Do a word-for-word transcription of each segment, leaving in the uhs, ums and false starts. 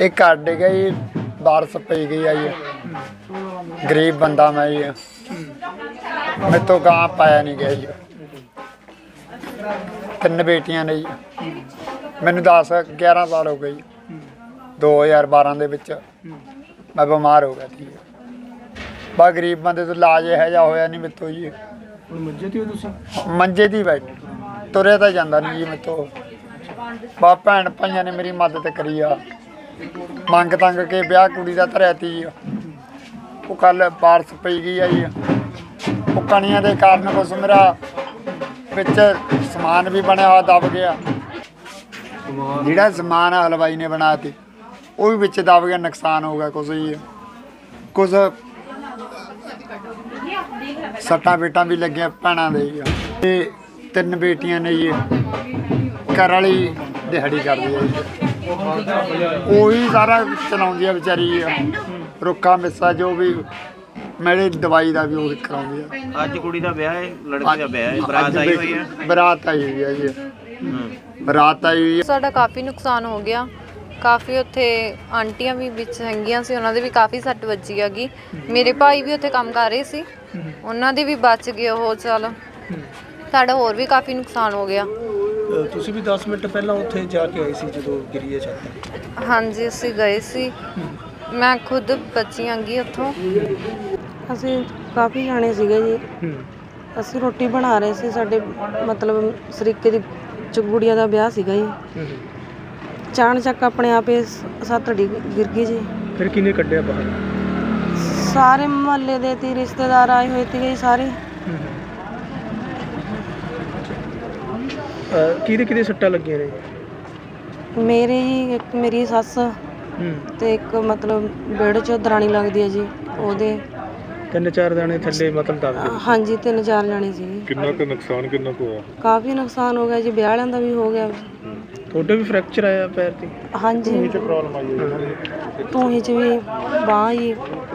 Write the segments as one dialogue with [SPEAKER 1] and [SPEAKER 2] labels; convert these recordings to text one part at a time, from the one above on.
[SPEAKER 1] एक घर डिग गई, बारिश पई गई है जी। गरीब बंदा मैं जी, मेरे तो गां पाया नहीं गया जी। तीन बेटियां ने जी, मैनू दस ग्यारह साल हो गए जी। दो हज़ार बारह दे विच मैं बीमार हो गया थी। बस गरीब बंदे तो इलाज यह जा होया नहीं मेरे तो जी।
[SPEAKER 2] मंजे ते हो तुसीं?
[SPEAKER 1] मंजे दी बैठ तुरे तो जाता नहीं जी मेरे तो। बस भैन भाइयों ने मेरी मदद करी आ, मंग तंग के ब्याह कुड़ी का धरिया ती जी। वो कल बारिश पई गई है जी, वो कणियां के कारण कुछ मेरा बिच समान भी बनया हुआ दब गया। जिहड़ा समान हलवाई ने बनाया ती वो भी बिच दब गया, नुकसान हो गया कुछ जी। कुछ सट्टां बेटां भी लगियां भैणां दे जी। ते तीन बेटियां ने जी, घर वाली दिहाड़ी करदी है जी, ਉਹੀ सारा चलाउंदी है बेचारी जी। रुक्खा मिस्सा जो भी मेरी दवाई का भी वो कराउंदी है।
[SPEAKER 3] ਅੱਜ ਕੁੜੀ ਦਾ ਵਿਆਹ ਹੈ, ਲੜਕੇ ਦਾ ਵਿਆਹ ਹੈ, ਬਰਾਤ ਆਈ ਹੋਈ ਹੈ।
[SPEAKER 1] ਬਰਾਤ ਆਈ ਹੋਈ ਹੈ ਜੀ, ਬਰਾਤ ਆਈ ਹੋਈ ਹੈ।
[SPEAKER 4] ਸਾਡਾ ਕਾਫੀ ਨੁਕਸਾਨ ਹੋ ਗਿਆ, ਕਾਫੀ ਉੱਥੇ ਆਂਟੀਆਂ ਵੀ ਵਿੱਚ ਹੈਗੀਆਂ ਸੀ, ਉਹਨਾਂ ਦੇ ਵੀ ਕਾਫੀ ਸੱਟ ਵੱਜੀ ਹੈਗੀ। ਮੇਰੇ ਭਾਈ ਵੀ ਉੱਥੇ ਕੰਮ ਕਰ ਰਹੇ ਸੀ, ਉਹਨਾਂ ਦੇ ਵੀ ਬਚ ਗਏ ਉਹ। ਚੱਲ ਸਾਡਾ ਹੋਰ ਵੀ ਕਾਫੀ ਨੁਕਸਾਨ ਹੋ ਗਿਆ।
[SPEAKER 2] ਤੁਸੀਂ ਵੀ ਦਸ ਮਿੰਟ ਪਹਿਲਾਂ ਉੱਥੇ ਜਾ ਕੇ ਆਏ ਸੀ ਜਦੋਂ ਗਿਰੀ ਹੈ ਛੱਤ?
[SPEAKER 4] ਹਾਂਜੀ ਅਸੀਂ ਗਏ ਸੀ, ਮੈਂ ਖੁਦ ਬਚੀ ਆਂਗੀ ਉੱਥੋਂ।
[SPEAKER 5] ਅਸੀਂ ਕਾਫੀ ਜਾਣੇ ਸੀਗੇ ਜੀ, ਅਸੀਂ ਰੋਟੀ ਬਣਾ ਰਹੇ ਸੀ। ਸਾਡੇ ਮਤਲਬ ਸਰੀਕੇ ਦੀ ਚੁਗੜੀਆਂ ਦਾ ਵਿਆਹ ਸੀਗਾ ਜੀ। ਚਾਣ ਚੱਕ ਆਪਣੇ ਆਪੇ ਸੱਤ ਡੀ ਗਿਰ ਗਈ ਜੀ।
[SPEAKER 2] ਫਿਰ ਕਿਹਨੇ ਕੱਢਿਆ ਬਾਹਰ?
[SPEAKER 5] ਸਾਰੇ ਮੁਹੱਲੇ ਦੇ ਤੇ ਰਿਸ਼ਤੇਦਾਰ ਆਏ ਹੋਏ ਸੀਗੇ ਜੀ ਸਾਰੇ।
[SPEAKER 2] ਕਿਹਦੇ ਕਿਹਦੇ ਸੱਟਾਂ ਲੱਗੀਆਂ ਨੇ?
[SPEAKER 5] ਮੇਰੇ ਜੀ ਇੱਕ ਮੇਰੀ ਸੱਸ ਤੇ ਇੱਕ ਮਤਲਬ ਵਿਹੜੇ 'ਚ ਦਰਾਣੀ ਲੱਗਦੀ ਹੈ ਜੀ, ਉਹਦੇ
[SPEAKER 2] ਤਿੰਨ ਚਾਰ ਜਾਣੇ ਥੱਲੇ ਮਤਲਬ ਦੱਬ ਗਏ?
[SPEAKER 5] ਹਾਂਜੀ ਤਿੰਨ ਚਾਰ ਜਾਣੇ ਸੀ।
[SPEAKER 6] ਕਿੰਨਾ ਕੁ ਨੁਕਸਾਨ ਕਿੰਨਾ ਕੁ ਹੋਇਆ?
[SPEAKER 5] ਕਾਫੀ ਨੁਕਸਾਨ ਹੋ ਗਿਆ ਜੀ, ਵਿਆਹ ਵਾਲਿਆਂ ਦਾ ਵੀ ਹੋ ਗਿਆ।
[SPEAKER 2] ਤੁਹਾਡੇ ਵੀ ਫ੍ਰੈਕਚਰ ਆਇਆ ਪੈਰ ਤੇ?
[SPEAKER 5] ਹਾਂਜੀ
[SPEAKER 6] ਪ੍ਰੋਬਲਮ ਆਈ ਹੈ
[SPEAKER 5] ਧੂਹੀ 'ਚ ਵੀ, ਬਾਂਹ ਜੀ।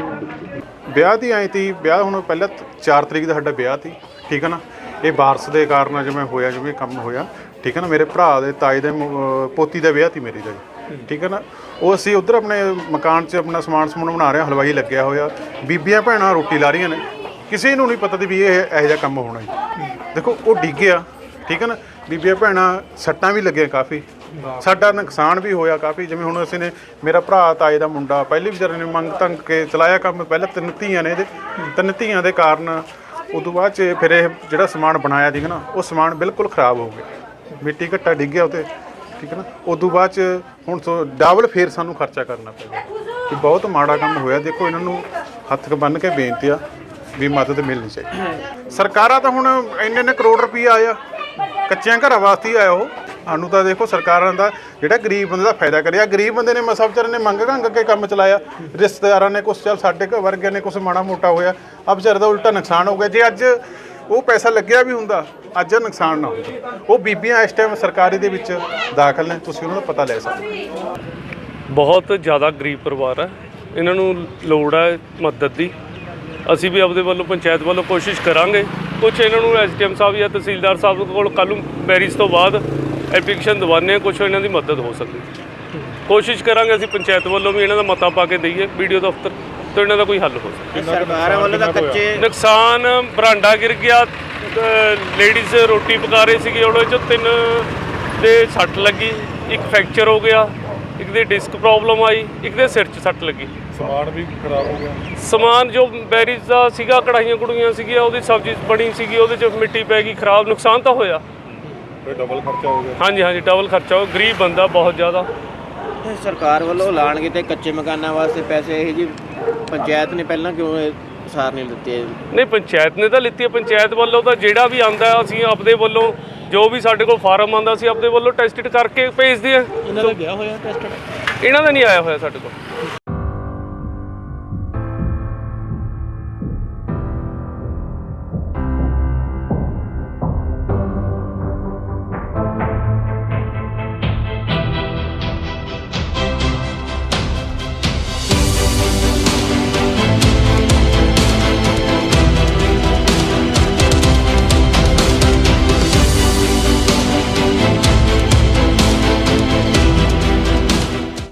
[SPEAKER 6] ਵਿਆਹ ਦੀ ਆਈ ਤੀ। ਵਿਆਹ ਹੁਣ ਪਹਿਲਾਂ ਚਾਰ ਤਰੀਕ ਦਾ ਸਾਡਾ ਵਿਆਹ ਤੀ, ਠੀਕ ਹੈ ਨਾ। ਇਹ ਬਾਰਿਸ਼ ਦੇ ਕਾਰਨ ਜਿਵੇਂ ਹੋਇਆ, ਜਿਵੇਂ ਕੰਮ ਹੋਇਆ, ਠੀਕ ਹੈ ਨਾ। ਮੇਰੇ ਭਰਾ ਦੇ ਤਾਏ ਦੇ ਪੋਤੀ ਦਾ ਵਿਆਹ ਤੀ ਮੇਰੀ ਦਾ ਜੀ, ਠੀਕ ਹੈ ਨਾ। ਉਹ ਅਸੀਂ ਉੱਧਰ ਆਪਣੇ ਮਕਾਨ 'ਚ ਆਪਣਾ ਸਮਾਨ ਸਮੂਨ ਬਣਾ ਰਹੇ ਹਾਂ, ਹਲਵਾਈ ਲੱਗਿਆ ਹੋਇਆ, ਬੀਬੀਆਂ ਭੈਣਾਂ ਰੋਟੀ ਲਾ ਰਹੀਆਂ ਨੇ। ਕਿਸੇ ਨੂੰ ਨਹੀਂ ਪਤਾ ਤੀ ਵੀ ਇਹ ਇਹੋ ਜਿਹਾ ਕੰਮ ਹੋਣਾ ਜੀ। ਦੇਖੋ ਉਹ ਡਿੱਗਿਆ, ਠੀਕ ਹੈ ਨਾ। ਬੀਬੀਆਂ ਭੈਣਾਂ ਸੱਟਾਂ ਵੀ ਲੱਗੀਆਂ ਕਾਫੀ, ਸਾਡਾ ਨੁਕਸਾਨ ਵੀ ਹੋਇਆ ਕਾਫੀ। ਜਿਵੇਂ ਹੁਣ ਅਸੀਂ ਨੇ, ਮੇਰਾ ਭਰਾ ਤਾਏ ਦਾ ਮੁੰਡਾ ਪਹਿਲੇ ਵਿਚਾਰੇ ਨੇ ਮੰਗ ਤੰਗ ਕੇ ਚਲਾਇਆ ਕੰਮ। ਪਹਿਲਾਂ ਤਿੰਨ ਧੀਆਂ ਨੇ ਇਹਦੇ, ਤਿੰਨ ਧੀਆਂ ਦੇ ਕਾਰਨ ਉਦੋਂ ਬਾਅਦ 'ਚ ਫਿਰ ਇਹ ਜਿਹੜਾ ਸਮਾਨ ਬਣਾਇਆ ਸੀਗਾ ਨਾ, ਉਹ ਸਮਾਨ ਬਿਲਕੁਲ ਖਰਾਬ ਹੋ ਗਿਆ। ਮਿੱਟੀ ਘੱਟਾ ਡਿੱਗਿਆ ਉੱਤੇ, ਠੀਕ ਹੈ ਨਾ। ਉਦੋਂ ਬਾਅਦ 'ਚ ਹੁਣ ਤੋਂ ਡਬਲ ਫੇਰ ਸਾਨੂੰ ਖਰਚਾ ਕਰਨਾ ਪਿਆ ਕਿ ਬਹੁਤ ਮਾੜਾ ਕੰਮ ਹੋਇਆ। ਦੇਖੋ ਇਹਨਾਂ ਨੂੰ ਹੱਥ ਬੰਨ੍ਹ ਕੇ ਬੇਨਤੀ ਆ ਵੀ ਮਦਦ ਮਿਲਣੀ ਚਾਹੀਦੀ। ਸਰਕਾਰਾਂ ਤਾਂ ਹੁਣ ਇੰਨੇ ਇੰਨੇ ਕਰੋੜ ਰੁਪਈਆ ਆਇਆ ਕੱਚਿਆਂ ਘਰਾਂ ਵਾਸਤੇ ਹੀ ਆਇਆ। ਉਹ ਸਾਨੂੰ ਤਾਂ ਦੇਖੋ ਸਰਕਾਰਾਂ ਦਾ ਜਿਹੜਾ ਗਰੀਬ ਬੰਦੇ ਦਾ ਫਾਇਦਾ ਕਰਿਆ। ਗਰੀਬ ਬੰਦੇ ਨੇ ਮਸਾ ਵਿਚਾਰੇ ਨੇ ਮੰਗ ਘੰਗ ਕੇ ਕੰਮ ਚਲਾਇਆ, ਰਿਸ਼ਤੇਦਾਰਾਂ ਨੇ ਕੁਛ, ਚੱਲ ਸਾਡੇ ਘਰ ਵਰਗਿਆਂ ਨੇ ਕੁਛ ਮਾੜਾ ਮੋਟਾ ਹੋਇਆ, ਆ ਵਿਚਾਰੇ ਦਾ ਉਲਟਾ ਨੁਕਸਾਨ ਹੋ ਗਿਆ। ਜੇ ਅੱਜ ਉਹ ਪੈਸਾ ਲੱਗਿਆ ਵੀ ਹੁੰਦਾ, ਅੱਜ ਨੁਕਸਾਨ ਨਾ ਹੁੰਦਾ। ਉਹ ਬੀਬੀਆਂ ਇਸ ਟਾਈਮ ਸਰਕਾਰੀ ਦੇ ਵਿੱਚ ਦਾਖਲ ਨੇ, ਤੁਸੀਂ ਉਹਨਾਂ ਦਾ ਪਤਾ ਲੈ ਸਕਦੇ।
[SPEAKER 7] ਬਹੁਤ ਜ਼ਿਆਦਾ ਗਰੀਬ ਪਰਿਵਾਰ ਹੈ, ਇਹਨਾਂ ਨੂੰ ਲੋੜ ਹੈ ਮਦਦ ਦੀ। ਅਸੀਂ ਵੀ ਆਪਦੇ ਵੱਲੋਂ ਪੰਚਾਇਤ ਵੱਲੋਂ ਕੋਸ਼ਿਸ਼ ਕਰਾਂਗੇ। ਕੁਛ ਇਹਨਾਂ ਨੂੰ ਐਸ ਡੀ ਐਮ ਸਾਹਿਬ ਜਾਂ ਤਹਿਸੀਲਦਾਰ ਸਾਹਿਬ ਕੋਲ ਕੱਲ੍ਹ ਨੂੰ ਮੈਰਿਜ ਤੋਂ ਬਾਅਦ ਐਪਲੀਕੇਸ਼ਨ ਦਿਵਾਉਂਦੇ ਹਾਂ, ਕੁਛ ਇਹਨਾਂ ਦੀ ਮਦਦ ਹੋ ਸਕੇ। ਕੋਸ਼ਿਸ਼ ਕਰਾਂਗੇ ਅਸੀਂ ਪੰਚਾਇਤ ਵੱਲੋਂ ਵੀ ਇਹਨਾਂ ਦਾ ਮਤਾ ਪਾ ਕੇ ਦਈਏ ਬੀ ਡੀ ਓ ਦਫ਼ਤਰ ਤੋਂ, ਇਹਨਾਂ ਦਾ ਕੋਈ ਹੱਲ ਹੋ ਸਕੇ।
[SPEAKER 3] ਸਰਕਾਰਾਂ ਵੱਲੋਂ ਤਾਂ ਕੱਚੇ
[SPEAKER 7] ਨੁਕਸਾਨ ਬਰਾਂਡਾ ਗਿਰ ਗਿਆ, ਲੇਡੀਜ਼ ਰੋਟੀ ਪਕਾ ਰਹੇ ਸੀਗੇ, ਉਹਦੇ 'ਚ ਤਿੰਨ ਦੇ ਸੱਟ ਲੱਗੀ, ਇੱਕ ਫ੍ਰੈਕਚਰ ਹੋ ਗਿਆ, ਇੱਕ ਦੀ ਡਿਸਕ ਪ੍ਰੋਬਲਮ ਆਈ, ਇੱਕ ਦੇ ਸਿਰ 'ਚ ਸੱਟ ਲੱਗੀ।
[SPEAKER 6] ਸਮਾਨ ਵੀ ਖਰਾਬ ਹੋ ਗਿਆ।
[SPEAKER 7] ਸਮਾਨ ਜੋ ਮੈਰਿਜ ਦਾ ਸੀਗਾ, ਕੜਾਹੀਆਂ ਕੁੜੀਆਂ ਸੀਗੀਆਂ, ਉਹਦੀ ਸਬਜ਼ੀ ਬਣੀ ਸੀਗੀ, ਉਹਦੇ 'ਚ ਮਿੱਟੀ ਪੈ ਗਈ, ਖਰਾਬ। ਨੁਕਸਾਨ ਤਾਂ ਹੋਇਆ,
[SPEAKER 6] ਡਬਲ ਖਰਚਾ ਹੋ ਗਿਆ।
[SPEAKER 7] ਹਾਂਜੀ ਹਾਂਜੀ ਡਬਲ ਖਰਚਾ ਹੋ। ਗਰੀਬ ਬੰਦਾ ਬਹੁਤ ਜ਼ਿਆਦਾ।
[SPEAKER 3] ਸਰਕਾਰ ਵੱਲੋਂ ਐਲਾਨ ਕੀਤੇ ਕੱਚੇ ਮਕਾਨਾਂ ਵਾਸਤੇ ਪੈਸੇ, ਇਹ ਜੀ ਪੰਚਾਇਤ ਨੇ ਪਹਿਲਾਂ ਕਿਉਂ ਇਹ ਸਾਰ ਨਹੀਂ ਦਿੱਤੇ?
[SPEAKER 7] ਨਹੀਂ ਪੰਚਾਇਤ ਨੇ ਤਾਂ ਲਿੱਤੀ ਹੈ। ਪੰਚਾਇਤ ਵੱਲੋਂ ਤਾਂ ਜਿਹੜਾ ਵੀ ਆਉਂਦਾ ਅਸੀਂ ਆਪਦੇ ਵੱਲੋਂ ਜੋ ਵੀ ਸਾਡੇ ਕੋਲ ਫਾਰਮ ਆਉਂਦਾ ਅਸੀਂ ਆਪਦੇ ਵੱਲੋਂ ਟੈਸਟਡ ਕਰਕੇ ਭੇਜਦੇ ਹਾਂ।
[SPEAKER 2] ਇਹਨਾਂ ਦਾ ਗਿਆ ਹੋਇਆ ਟੈਸਟਡ?
[SPEAKER 7] ਇਹਨਾਂ ਦਾ ਨਹੀਂ ਆਇਆ ਹੋਇਆ ਸਾਡੇ ਕੋਲ।